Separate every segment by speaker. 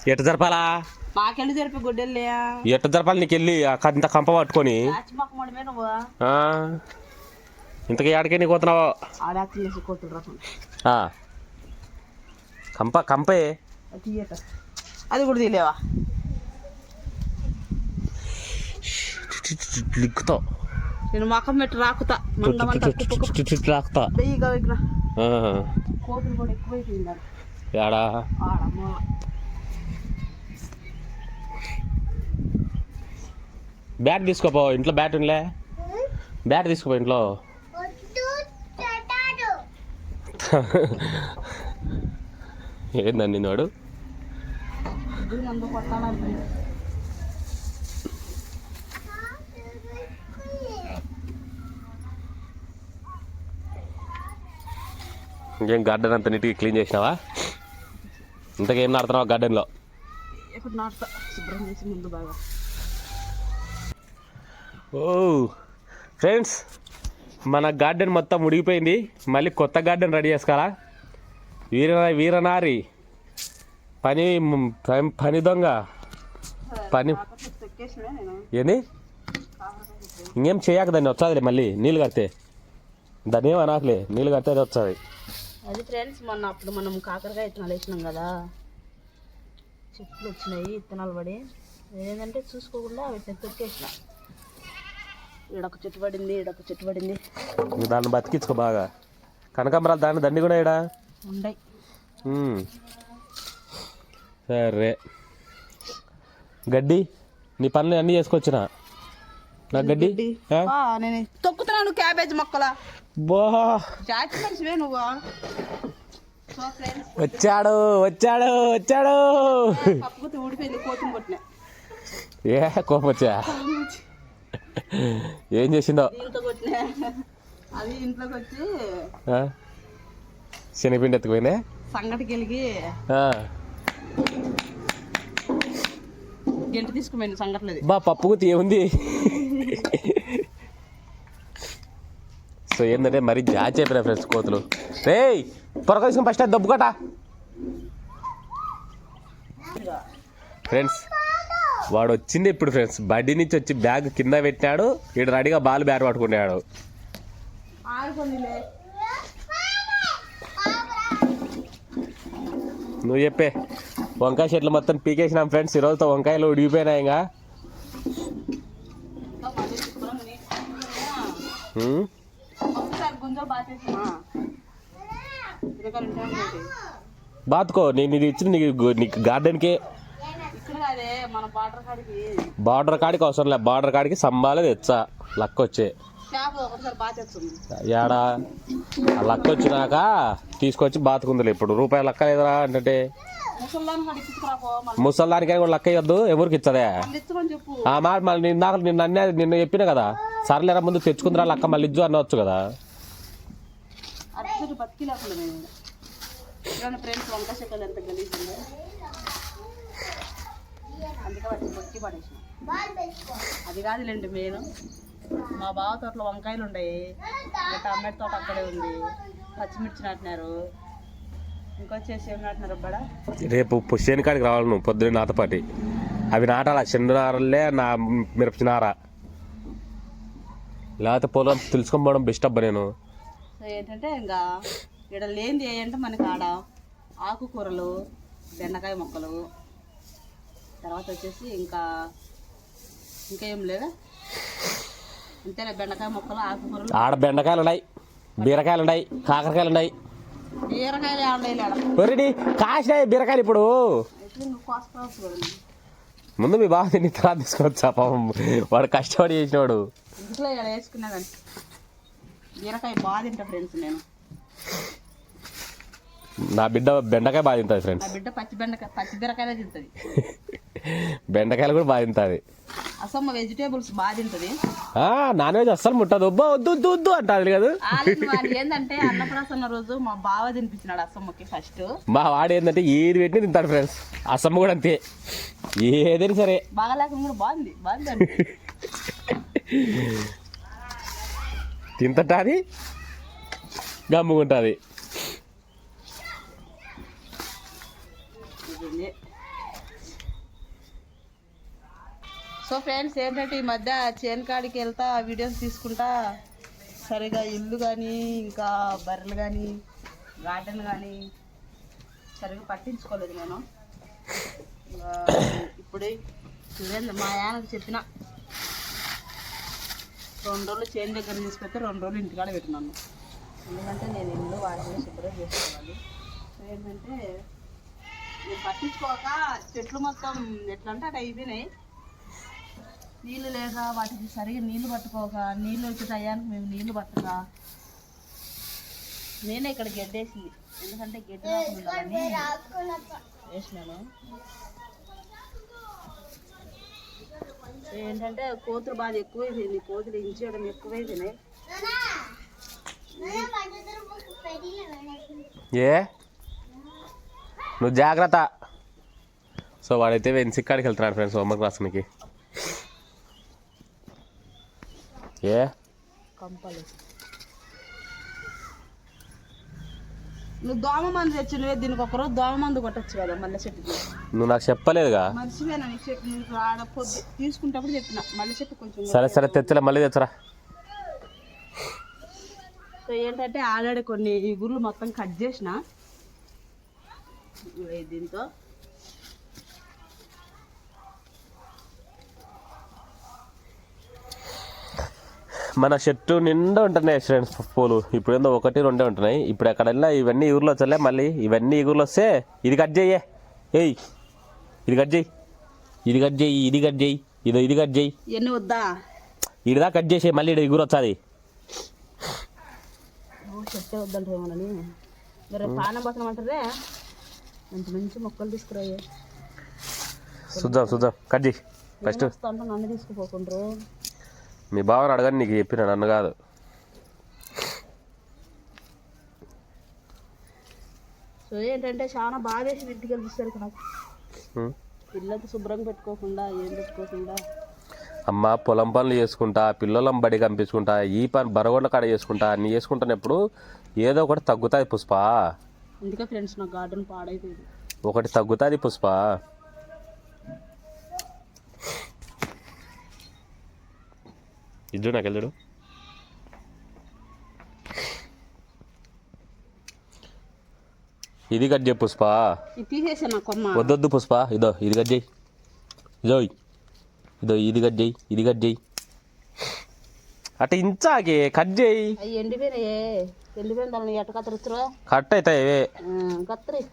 Speaker 1: ఎట్ట జరపాలా?
Speaker 2: మాకెళ్ళి జరిపి గుడ్డెళ్ళా
Speaker 1: ఎట్ట జరపాలి? నీకు వెళ్ళి ఇంత కంప పట్టుకొని ఇంతకీ ఆడికే నీకు పోతున్నావు? కంపే
Speaker 2: అది కూడా తీలేవా?
Speaker 1: లిక్కుతావు.
Speaker 2: నేను మకం పెట్టి రాకుతా
Speaker 1: రాకుతా.
Speaker 2: కోతులు కూడా ఎక్కువైపోయింది.
Speaker 1: ఏడా బ్యాట్ తీసుకోపో, ఇంట్లో బ్యాట్ ఉండలే. బ్యాట్ తీసుకోపో ఇంట్లో. ఏందండి వాడు? ఇంకేం గార్డెన్ అంతా నీట్గా క్లీన్ చేసినావా? ఇంతకేం నాడుతున్నావా గార్డెన్లో? ఓ ఫ్రెండ్స్, మన గార్డెన్ మొత్తం ముడిగిపోయింది. మళ్ళీ కొత్త గార్డెన్ రెడీ చేసుకోవాలా? వీరనారి పని దొంగ పని ఏంది? ఇంకేం చేయక దాన్ని వచ్చాదిలే. మళ్ళీ నీళ్ళు కడితే దాన్ని ఏం అనాకలే, నీళ్ళు కడితే అది వచ్చాది.
Speaker 2: అది ఫ్రెండ్స్, మొన్న అప్పుడు మనం కాకరకాయ విత్తనాలు వేసినాం కదా, చెట్లు వచ్చినాయి విత్తనాలు పడి. ఏంటంటే చూసుకోకుండా వీటిని తొక్కేసిన. ఈడొక చెట్టు పడింది, ఈడొక చెట్టు పడింది.
Speaker 1: దాన్ని బతికించుకో బాగా. కనకాంబరాలు దాన్ని దండి కూడా ఈడ
Speaker 2: ఉండయి.
Speaker 1: సరే, గడ్డి నీ పనులు అన్నీ చేసుకొచ్చిన. నాకు గడ్డి
Speaker 2: నేను తొక్కుతున్నాను. క్యాబేజ్ మొక్కల జాతి మనిషివే నువ్వు.
Speaker 1: వచ్చాడు వచ్చాడు వచ్చాడు.
Speaker 2: పప్పుకు ఊడిపోయింది, కోతులు కొట్టినా.
Speaker 1: ఏ కోపం వచ్చా? ఏం చేసిందో?
Speaker 2: దీంతో కొట్టినా. అది ఇంట్లోకి వచ్చి
Speaker 1: శనగపిండి ఎత్తుకుపోయినా
Speaker 2: సంగటికి వెళ్ళి గంట తీసుకుపోయింది. సంగట్లేదు
Speaker 1: బా పప్పుకు ఏముంది. సో ఏంటంటే మరి జాచి అయిపోయినా ఫ్రెండ్స్ కోతులు. రే త్వరగా తీసుకుని ఫస్ట్ అది దబ్బుకట. ఫ్రెండ్స్ వాడు వచ్చింది ఇప్పుడు ఫ్రెండ్స్. బడ్డీ నుంచి వచ్చి బ్యాగ్ కింద పెట్టినాడు. ఈడు రెడీగా బాల్ బ్యాట్ పట్టుకున్నాడు. నువ్వు చెప్పే. వంకాయ చెట్లు మొత్తం పీకేసినాం ఫ్రెండ్స్. ఈరోజుతో వంకాయలు ఉడిగిపోయినాయి. ఇంకా బాతుకో. నేను ఇది ఇచ్చిన నీకు గార్డెన్కే. బార్డర్ కాడికి అవసరం లే. బార్డర్ కాడికి సంబాలే తెచ్చా లక్క వచ్చే. ఏడా ఆ లక్క వచ్చినాక తీసుకొచ్చి బాతుకుందిలే. ఇప్పుడు రూపాయలు లక్క లేదురా అంటే ముసల్దానికైనా కూడా లక్క ఇవ్వద్దు. ఎవరికి ఇచ్చదే ఆ మాట. మళ్ళీ నిన్న చెప్పినా కదా, సర్లేరా ముందు తెచ్చుకుందిరా లక్క మళ్ళీ ఇజ్జు అనవచ్చు కదా.
Speaker 2: అది కాదులేండి మెయిన్. మా బావ తోటలో వంకాయలు ఉన్నాయి, టమాటో తోట అక్కడే ఉంది, పచ్చిమిర్చి నాటినారు. ఇంకొచ్చేసి ఏం నాటినారు అబ్బడా?
Speaker 1: రేపు పుష్యని కాడికి రావాలి నువ్వు పొద్దున్న నాతో పాటి. అవి నాటాలా? చెండు నారలే నా మిరపచి నార. లేకపోతే పొలం తెలుసుకొని పోవడం బెస్ట్ అబ్బా. నేను
Speaker 2: ఏంటంటే ఇంకా ఇక్కడ లేనిది ఏంటంటే మనకి ఆడ ఆకుకూరలు, బెండకాయ మొక్కలు, తర్వాత వచ్చేసి ఇంకా ఏం లేదా, అంతేనా? బెండకాయ మొక్కలు, ఆకుకూరలు.
Speaker 1: ఆడ బెండకాయలు ఉన్నాయి, బీరకాయలు ఉన్నాయి, కాకరకాయలు ఉన్నాయి.
Speaker 2: బీరకాయలు
Speaker 1: ఒరేడి కాసినాయి బీరకాయలు. ఇప్పుడు ముందు మీ బావ తిని తర్వాత తీసుకోవచ్చా? పాపం వాడు కష్టపడి చేసినవాడు.
Speaker 2: ఇంట్లో ఇలా వేసుకున్నా కానీ బీరకాయ బాగా తింటా ఫ్రెండ్స్. నేను
Speaker 1: నా బిడ్డ బెండకాయ బాగా తింటుంది ఫ్రెండ్స్.
Speaker 2: నా బిడ్డ పచ్చి బీరకాయలే తింటుంది.
Speaker 1: బెండకాయలు కూడా బాగా తింటుంది.
Speaker 2: అసమ్మ వెజిటేబుల్స్ బాగా తింటుంది.
Speaker 1: నాన్ వెజ్ అస్సలు ముట్టదు. వద్దు వద్దు వద్దు అంటారు కదా.
Speaker 2: ఏంటంటే అన్నప్రాసన్న రోజు మా బావ తినిపించినాడు అసమ్మకి ఫస్ట్.
Speaker 1: మా వాడు ఏంటంటే ఏది పెట్టిన తింటాడు ఫ్రెండ్స్. అసమ్మ కూడా అంతే, ఏదైనా సరే.
Speaker 2: బాగా లేకుండా కూడా బాగుంది
Speaker 1: తింటది, గమ్ముకుంటుంది.
Speaker 2: సో ఫ్రెండ్స్ ఏంటంటే ఈ మధ్య చేను కాడికి వెళ్తా వీడియోస్ తీసుకుంటా సరిగా ఇల్లు కానీ ఇంకా బర్రెలు కానీ గార్డెన్ కానీ సరిగా పట్టించుకోలేదు నేను. ఇప్పుడు చూడండి మా ఆయనకు చెప్పిన 2 రోజులు చేను దగ్గర తీసుకొస్తే 2 రోజులు ఇంటికాడ పెట్టినాను. ఎందుకంటే నేను ఇల్లు వాటిని శుభ్రం చేసుకోవాలి. సో ఏంటంటే నేను పట్టించుకోక చెట్లు మొత్తం ఎట్లా అంటే అటు అయిపోయినాయి. నీళ్ళు లేక వాటికి సరిగా నీళ్ళు పట్టుకోక నీళ్ళు వచ్చే టయానికి మేము నీళ్ళు పట్టక నేనే ఇక్కడ గడ్డేసింది. ఎందుకంటే గడ్డి రాకుండా వేసినాను. ఏంటంటే కోతులు బాగా ఎక్కువైపోయింది. కోతులు ఇంచేయడం ఎక్కువైపోయినాయి.
Speaker 1: ఏ నువ్వు జాగ్రత్త. సో వాడైతే వెన్సిక్కాడికి వెళ్తున్నాడు ఫ్రెండ్స్ హోంవర్క్ రాసునికి. ఏ
Speaker 2: కంపలు నువ్వు దోమ మందు తెచ్చినవే, దీనికి ఒకరోజు దోమ మందు కొట్టచ్చు కదా మల్లె చెట్టుకి.
Speaker 1: నువ్వు నాకు చెప్పలేదుగా.
Speaker 2: మర్చిపోయినా నీకు చెప్పి నీకు ఆడ తీసుకుంటప్పుడు చెప్పిన మల్లె చెట్టు కొంచెం.
Speaker 1: సరే సరే తెచ్చలే, మళ్ళీ తెచ్చరా.
Speaker 2: సో ఏంటంటే ఆల్రెడీ కొన్ని ఇగుర్లు మొత్తం కట్ చేసిన దీంతో.
Speaker 1: మన చెట్టు నిండా ఉంటున్నాయి ఫ్రెండ్స్ పూలు. ఇప్పుడు ఏందో 1-2 ఉంటున్నాయి. ఇప్పుడు ఎక్కడ వెళ్ళినా ఇవన్నీ ఇగురులు వచ్చలే. మళ్ళీ ఇవన్నీ ఇగురులు వస్తే ఇది కట్ చెయ్యే, ఏయ్ ఇది కట్ చెయ్యి, ఇది కట్ చెయ్యి, ఇది కట్ చెయ్యి, ఇది కట్ చెయ్యి.
Speaker 2: ఎన్ని వద్దా
Speaker 1: ఇదిదా కట్ చేసే, మళ్ళీ ఇక్కడ ఇగురు వచ్చాది.
Speaker 2: చెట్టే వద్దంటేమోనని మరి పానం బతనం అంటారే. మంచి మంచి మొక్కలు తీసుకురాయే.
Speaker 1: చూద్దాం కట్ చేయి ఫస్ట్.
Speaker 2: అంటే నన్ను తీసుకుపోకుండ్రు.
Speaker 1: మీ బావని అడగని నీకు చెప్పిన, నన్ను కాదు.
Speaker 2: సో ఏంటంటే చాలా బాగా వేసి ఇంటికి వెళ్ళిస్తారు నాకు. పిల్లలకి శుభ్రంగా పెట్టుకోకుండా ఏం పెట్టుకోకుండా
Speaker 1: అమ్మ పొలం పనులు చేసుకుంటా, పిల్లలం బడి పంపించుకుంటా, ఈ పని బరగొండ కాడ చేసుకుంటా, అన్నీ చేసుకుంటున్నప్పుడు ఏదో ఒకటి తగ్గుతుంది పుష్ప.
Speaker 2: అందుకే ఫ్రెండ్స్ నా గార్డెన్ పాడైపోయింది.
Speaker 1: ఒకటి తగ్గుతుంది పుష్ప. ఇద్దు నాకు వెళ్ళడు. ఇది కట్ చేయి పుష్ప.
Speaker 2: తీసేసా నా కొమ్మ.
Speaker 1: వద్దొద్దు పుష్ప. ఇది కట్ చేయి. ఇది కట్ చేయి, ఇది కట్ చేయి. అట్ట ఇంచాకే కట్ చేయి.
Speaker 2: అవి ఎండిపోయినాయే. ఎండిపోయిన దాన్ని ఎట్ట కత్తిరిస్తురా?
Speaker 1: కట్ అవుతాయి.
Speaker 2: కత్తిరి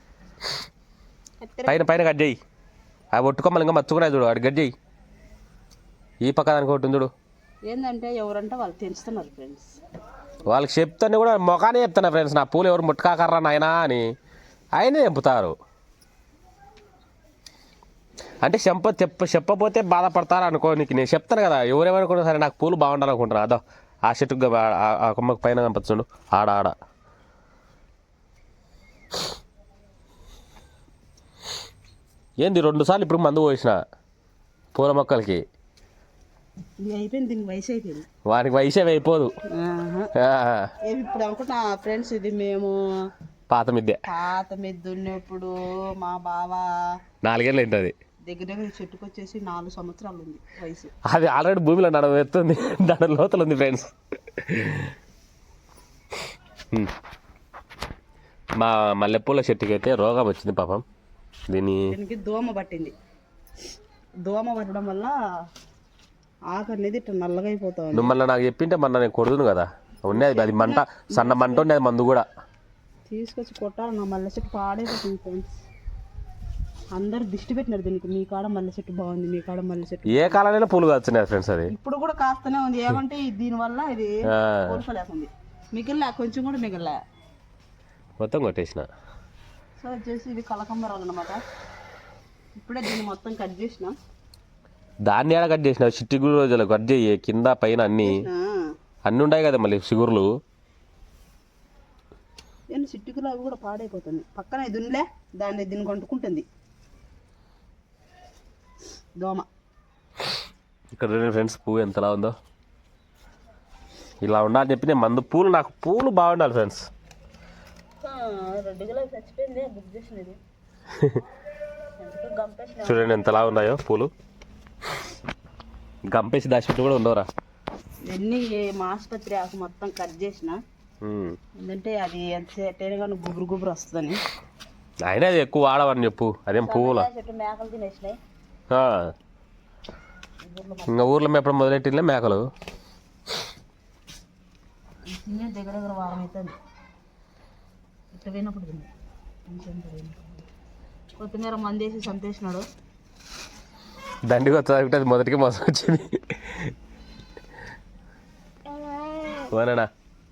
Speaker 1: పైన కట్ చేయి. అవి ఒట్టుకోమని ఇంకా మచ్చుకున్నాయి చూడు, అటు కట్ చేయి. ఈ పక్క దానికి ఒకటి చూడు.
Speaker 2: ఏంటంటే ఎవరంటే వాళ్ళు తెంచుతున్నారు ఫ్రెండ్స్.
Speaker 1: వాళ్ళకి చెప్తానే కూడా మొఖానే చెప్తున్నా ఫ్రెండ్స్, నా పూలు ఎవరు ముట్టుకాకర్రా నాయనా అని. ఆయనే చెంపుతారు. అంటే చెప్పపోతే బాధపడతారు అనుకో. నీకు నేను చెప్తాను కదా, ఎవరేమనుకున్నా సరే నాకు పూలు బాగుండాలనుకుంటున్నా. అదో ఆ చెట్టుకు ఆ కొమ్మకు పైన కనిపించండు ఆడ. ఏంది 2 సార్లు ఇప్పుడు మందు పోసిన పూల మొక్కలకి.
Speaker 2: అయిపోయింది, దీనికి వయసు అయిపోయింది.
Speaker 1: వానికి వయసే అయిపోదు.
Speaker 2: ఇప్పుడు అనుకుంటున్నా ఫ్రెండ్స్, ఇది మేము
Speaker 1: పాత మిద్దె
Speaker 2: ఉన్నప్పుడు మా బావ
Speaker 1: 4 ఏళ్ళు ఉంటుంది.
Speaker 2: దగ్గర చెట్టుకు వచ్చేసి 4 సంవత్సరాలు ఉంది వయసు.
Speaker 1: అది ఆల్రెడీ భూమిలో ఎత్తుంది, దాని లోతలు ఉంది ఫ్రెండ్స్. మా మల్లెపూల చెట్టుకి అయితే రోగం వచ్చింది పాపం. దీనికి
Speaker 2: దోమ పట్టింది. దోమ పట్టడం వల్ల ఆకు అనేది ఇట్లా నల్లగా అయిపోతావు.
Speaker 1: నువ్వు మళ్ళీ నాకు చెప్పింటే మొన్న నేను కొడుదును కదా. ఉన్నది అది మంట, సన్న మంట ఉండేది మందు కూడా
Speaker 2: తీసుకొచ్చి కొట్టాలి. నా మల్లె చెట్టు పాడైపోతుంది ఫ్రెండ్స్. అందరు దిష్టి పెట్టినారు దీనికి. మీ కాడ మల్లె చెట్టు బాగుంది, మీ కాడ మల్లె చెట్టు.
Speaker 1: ఏ కాలంలో పూలు కాస్తున్నాయి ఫ్రెండ్స్. అది
Speaker 2: ఇప్పుడు కూడా కాస్తూనే ఉంది. ఏమంటే దీనివల్ల ఇది కోల్పోలేకుంది. మిగిలిన కొంచెం కూడా మిగిలిన
Speaker 1: మొత్తం కొట్టేసిన.
Speaker 2: సో వచ్చేసి ఇది కలకంబరాలు అనమాట. ఇప్పుడే దీన్ని మొత్తం కట్ చేసినాం.
Speaker 1: దాన్ని ఏడ కట్ చేసిన చిట్టి రోజులు కట్ చేయి. కింద పైన అన్ని ఉన్నాయి కదా మళ్ళీ చిగురులు.
Speaker 2: నేను చిట్టుకులు అవి కూడా పాడైపోతుంది. పక్కన ఇది ఉందిలే, దీన్ని కొంటుకుంటుంది దోమ.
Speaker 1: ఇక్కడ ఫ్రెండ్స్ పువ్వు ఎంతలా ఉందో. ఇలా ఉండాలని చెప్పి నేను మందు పూలు, నాకు పూలు బాగుండాలి ఫ్రెండ్స్.
Speaker 2: 2 కిలోలు చచ్చిపోయింది బుక్ చేసినది.
Speaker 1: చూడండి ఎంతలా ఉన్నాయో పూలు. గంపేసి దాచిపెట్టి కూడా ఉండవురా.
Speaker 2: ఇవన్నీ మా ఆసుపత్రి ఆకు మొత్తం కట్ చేసిన, ఎందుకంటే అది ఎంత సెట్ అయినా కానీ గుబురు గుబురు వస్తుందని.
Speaker 1: అయినా అది ఎక్కువ వాడవని చెప్పు, అదేం పువ్వుల.
Speaker 2: చెట్టు మేకలు తినేసినాయి.
Speaker 1: ఇంకా ఊర్లో ఎప్పుడు మొదలెట్టిందే మేకలు.
Speaker 2: తినే దగ్గర దగ్గర వారం అవుతుంది. ఇట్ట పోయినప్పుడు తిన్నా కొత్తిమీర మందేసి సంతేసినాడు.
Speaker 1: దండిగా వచ్చి అది మొదటికి మోసం వచ్చింది. ఓనా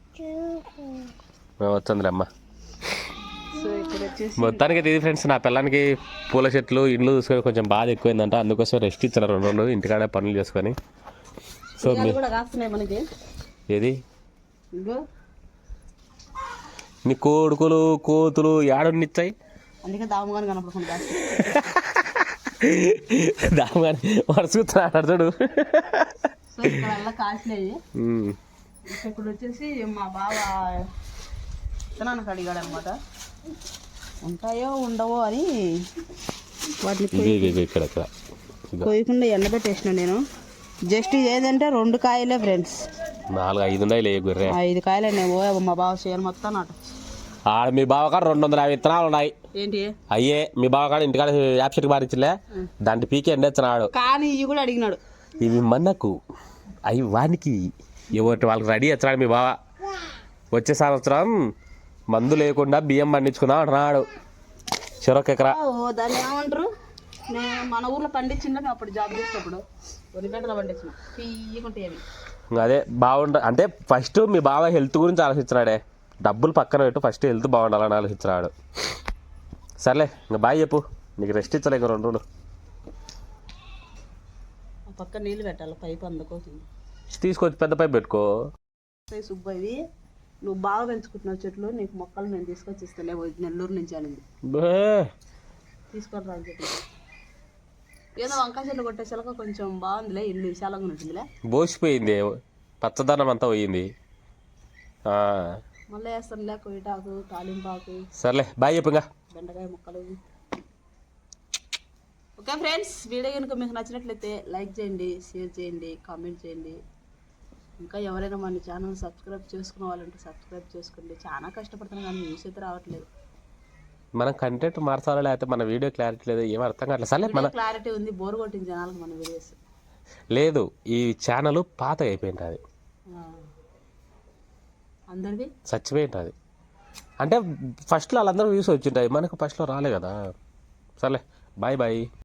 Speaker 1: వచ్చిందిలే అమ్మ.
Speaker 2: సో ఇక్కడ వచ్చేసి
Speaker 1: మొత్తానికి ఇది ఫ్రెండ్స్, నా పిల్లానికి పూల చెట్లు ఇండ్లు చూసుకొని కొంచెం బాధ ఎక్కువైందంట. అందుకోసం రెస్ట్ ఇచ్చారు 2 రోజులు ఇంటికాడే పనులు చేసుకొని. సో
Speaker 2: కూడా కాస్తున్నాయి మనకి.
Speaker 1: ఏది
Speaker 2: ఇగో
Speaker 1: నీ కోడుకులు కోతులు ఏడున్నిచ్చాయి.
Speaker 2: అందుకే దామగాని కనపడకుండా
Speaker 1: దామగాని వరుసూతున్నాడు చూడు.
Speaker 2: సో ఇక్కడ అలా కాసినాయి. ఇప్పుడు వచ్చేసి మా బావ విత్తనానికి అడిగాడు అనమాట, ఉంటాయో ఉండవో అని. వాటిని
Speaker 1: ఇక్కడ
Speaker 2: కొయ్యకుండా ఎండబెట్టేసిన నేను. జస్ట్ ఏదంటే 2 కాయలే ఫ్రెండ్స్,
Speaker 1: 4-5 ఉన్నాయి గుర్రే.
Speaker 2: 5 కాయలే. నేను మా బావ చేయను మొత్తం నాటు.
Speaker 1: ఆడ మీ బావకాడ 250 విత్తనాలు ఉన్నాయి.
Speaker 2: ఏంటి
Speaker 1: అయ్యే మీ బావకాడ ఇంటికాడ యాప్ చెట్టు మారించలే, దాంట్లో పీకే ఎండేస్తున్నాడు.
Speaker 2: కానీ ఇవి కూడా అడిగినాడు.
Speaker 1: ఇవి మనకు అవి వానికి ఎవరి వాళ్ళకి రెడీ వచ్చాడు మీ బావ. వచ్చే సంవత్సరం మందు లేకుండా బియ్యం పండించుకుందాం అంటున్నాడు. చెరొక ఎకరా.
Speaker 2: దాన్ని ఏమంటారు, నేను మన ఊర్లో పండించిండే అప్పుడు జాబ్ చేసేటప్పుడు 1 గంటలో పండించిన తీయకుంటే అవి.
Speaker 1: అదే బాగుండ అంటే ఫస్ట్ మీ బావ హెల్త్ గురించి ఆలోచించినాడే. డబ్బులు పక్కన పెట్టు, ఫస్ట్ హెల్త్ బాగుండాలని ఆలోచించినాడు. సర్లే ఇంకా బాయ్ చెప్పు, నీకు రెస్ట్ ఇచ్చలే ఇంక 2 రోజులు.
Speaker 2: పక్క నీళ్ళు పెట్టాలి, పైపు అందుకోసం
Speaker 1: తీసుకొచ్చి పెద్ద పైపు పెట్టుకో.
Speaker 2: సుబ్బయ్యవి నువ్వు బాగా పెంచుకుంటున్నావు చెట్లు, నీకు మొక్కలు నేను తీసుకొచ్చి ఇస్తాలే, నెల్లూరు నుంచి అనింది. తీసుకొని రా అని చెప్పి. ఏదో వంకాయ చెట్లు కొట్టే చిలక కొంచెం బాగుందిలే, ఇల్లు విశాలంగా ఉంటుందిలే.
Speaker 1: బోసిపోయింది, పచ్చదనం అంతా పోయింది.
Speaker 2: మళ్ళీ వేస్తానులే కొయ్యటాకు, తాలింపాకు.
Speaker 1: సర్లే బాయ్ చెప్పు ఇంకా.
Speaker 2: బెండకాయ ముక్కలు. ఓకే ఫ్రెండ్స్, వీడియో కనుక మీకు నచ్చినట్లయితే లైక్ చేయండి, షేర్ చేయండి, కామెంట్ చేయండి. ఇంకా ఎవరైనా మన ఛానల్ సబ్స్క్రైబ్ చేసుకునే వాళ్ళంటే సబ్స్క్రైబ్ చేసుకోండి. చాలా కష్టపడుతున్నాం కానీ న్యూస్ అయితే రావట్లేదు.
Speaker 1: మనం కంటెంట్ మార్చాలా లేకపోతే మన వీడియో క్లారిటీ లేదు, ఏం అర్థం కావట్లేదు. సర్లే మన
Speaker 2: క్లారిటీ ఉంది, బోర్ కొట్టిన జనాలకు మన వీడియోస్
Speaker 1: లేదు. ఈ ఛానల్ పాత అయిపోయింది, అది
Speaker 2: అందరిది
Speaker 1: చచ్చిపోయింది. అది అంటే ఫస్ట్లో వాళ్ళందరూ వ్యూస్ వచ్చింటాయి, మనకు ఫస్ట్లో రాలే కదా. సర్లే బాయ్ బాయ్.